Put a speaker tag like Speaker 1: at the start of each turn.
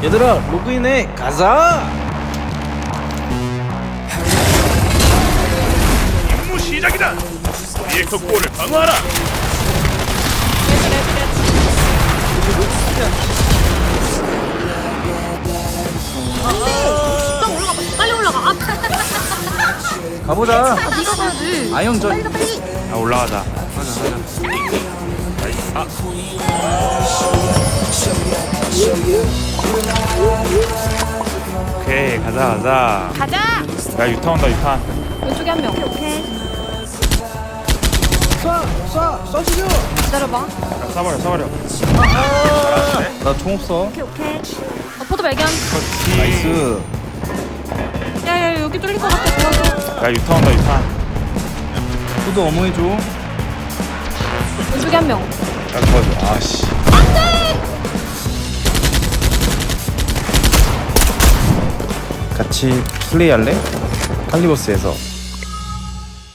Speaker 1: 얘들아 로그인해 가자.
Speaker 2: 임무 시작이다. 리액터 골을 방어하라.
Speaker 3: 좀 올라가. 빨리 올라가.
Speaker 1: 가보자.
Speaker 3: 네가 가야지.
Speaker 1: 아영전.
Speaker 3: 빨리 가 빨리.
Speaker 2: 아 올라가자. 오케이 가자.
Speaker 3: 가자.
Speaker 2: 야 유탄 온다 유탄.
Speaker 3: 왼쪽에 한 명. 오케이.
Speaker 1: 쏴 죽여.
Speaker 3: 기다려봐.
Speaker 2: 야, 쏴버려.
Speaker 1: 나 총 없어.
Speaker 3: 오케이. 포도 발견.
Speaker 1: 나이스.
Speaker 3: 야야 여기 뚫릴 것 같아. 도와줘.
Speaker 2: 야 유탄 온다 유탄.
Speaker 1: 후드 어머니 줘.
Speaker 3: 왼쪽에 한 명.
Speaker 2: 야 도와줘. 아씨.
Speaker 1: 같이 플레이할래? 칼리버스에서.